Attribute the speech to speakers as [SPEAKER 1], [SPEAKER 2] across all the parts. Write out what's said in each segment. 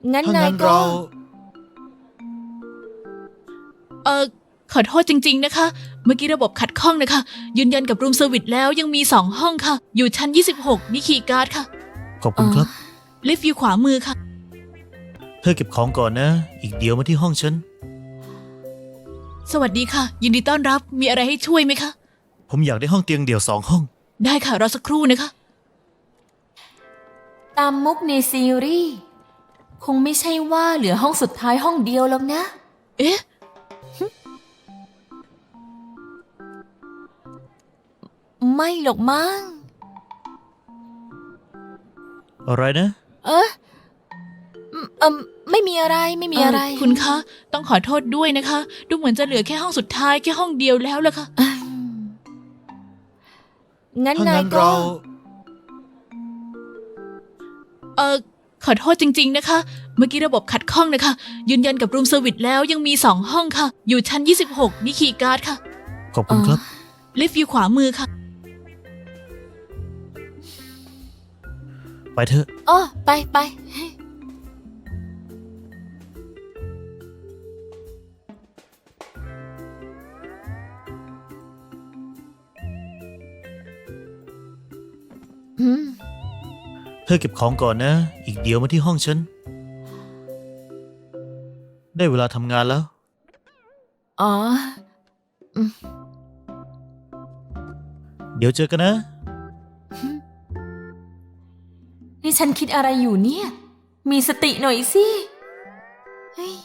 [SPEAKER 1] งั้นาย
[SPEAKER 2] ถ้านงั้น
[SPEAKER 1] ก็
[SPEAKER 2] เรา
[SPEAKER 3] ขอโทษจริงๆนะคะ เมื่อกี้ระบบขัดข้องนะคะ ยืนยันกับรูมเซอร์วิสแล้วยังมี2ห้องค่ะ อยู่ชั้น26นี่คีย์การ์ดค่ะ
[SPEAKER 2] ขอบคุณครับ
[SPEAKER 3] ลิฟต์อยู่ขวามือค่ะ
[SPEAKER 2] เธอเก็บของก่อนนะ อีกเดี๋ยวมาที่ห้องฉัน
[SPEAKER 3] สวัสดีค่ะ ยินดีต้อนรับ มีอะไรให้ช่วยไหมคะ
[SPEAKER 2] ผมอยากได้ห้องเตียงเดี่ยว2 ห้อง
[SPEAKER 3] ได้ค่ะ รอสักครู่นะคะ
[SPEAKER 1] ตามมุกในซีรีส์คงไม่ใช่ว่าเหลือห้องสุดท้ายห้องเดียวแล้วนะ
[SPEAKER 3] เอ๊ะ
[SPEAKER 1] ไม่หรอกมั้ง
[SPEAKER 2] อะไรนะ
[SPEAKER 1] ไม่มีอะไรไม่มีอะไร
[SPEAKER 3] คุณคะ ต้องขอโทษด้วยนะคะ ดูเหมือนจะเหลือแค่ห้องสุดท้ายแค่ห้องเดียวแล้วล่ะค่ะ
[SPEAKER 1] งั้น
[SPEAKER 2] ถ้า
[SPEAKER 1] นา
[SPEAKER 2] งั้
[SPEAKER 1] ย
[SPEAKER 2] น
[SPEAKER 1] ก็
[SPEAKER 2] เรา
[SPEAKER 3] ขอโทษจริงๆนะคะ เมื่อกี้ระบบขัดข้องนะคะ ยืนยันกับรูมเซอร์วิสแล้วยังมี2ห้องค่ะ อยู่ชั้น26นี่คีย์การ์ดค่ะ
[SPEAKER 2] ขอบคุณครับ
[SPEAKER 3] ลิฟต์อยู่ขวามือค่ะ
[SPEAKER 2] ไปเถอะ
[SPEAKER 1] อ๋อไปไป อืม
[SPEAKER 2] เธอเก็บของก่อนนะ อีกเดี๋ยวมาที่ห้องฉัน ได้เวลาทำงานแล้ว
[SPEAKER 1] อ๋อ
[SPEAKER 2] เดี๋ยวเจอกันนะ
[SPEAKER 1] นี่ฉันคิดอะไรอยู่เนี่ย มีสติหน่อยสิเฮ้ย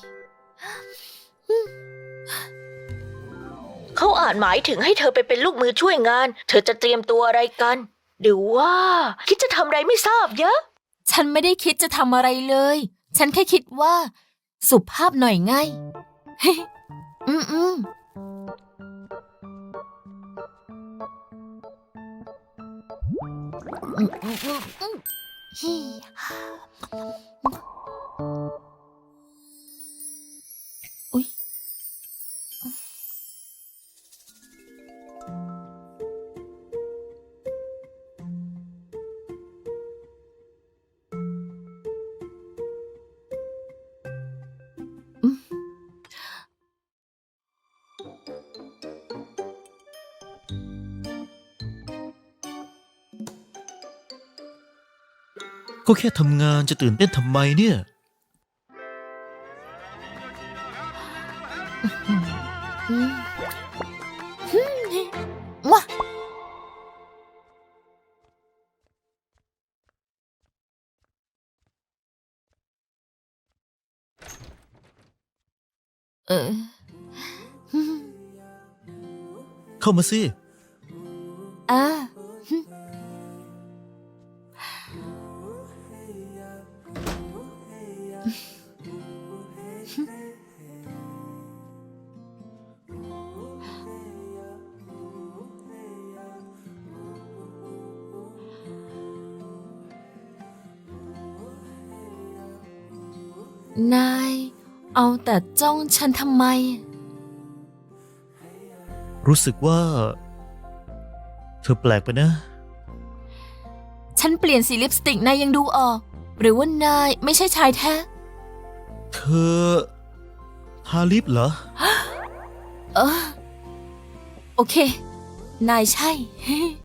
[SPEAKER 4] เขาอาจหมายถึงให้เธอไปเป็นลูกมือช่วยงาน เธอจะเตรียมตัวอะไรกัน หรือว่า คิดจะทำอะไรไม่ทราบเยอะ
[SPEAKER 1] ฉันไม่ได้คิดจะทำอะไรเลย ฉันแค่คิดว่า สุภาพหน่อยไง เฮ้ยอืมฮิอุ๊ย
[SPEAKER 2] ก็แค่ทำงานจะตื่นเต้นทำไมเนี่ย
[SPEAKER 1] ว้าเออ
[SPEAKER 2] เข้ามาสิ
[SPEAKER 1] อ่า นาย เอาแต่จ้องฉันทำไม
[SPEAKER 2] รู้สึกว่า เธอแปลกไปนะ
[SPEAKER 1] ฉันเปลี่ยนสีลิปสติกนายยังดูออก หรือว่านายไม่ใช่ชายแท้
[SPEAKER 2] เธอทาลิปเหรอ
[SPEAKER 1] เออ โอเค นายใช่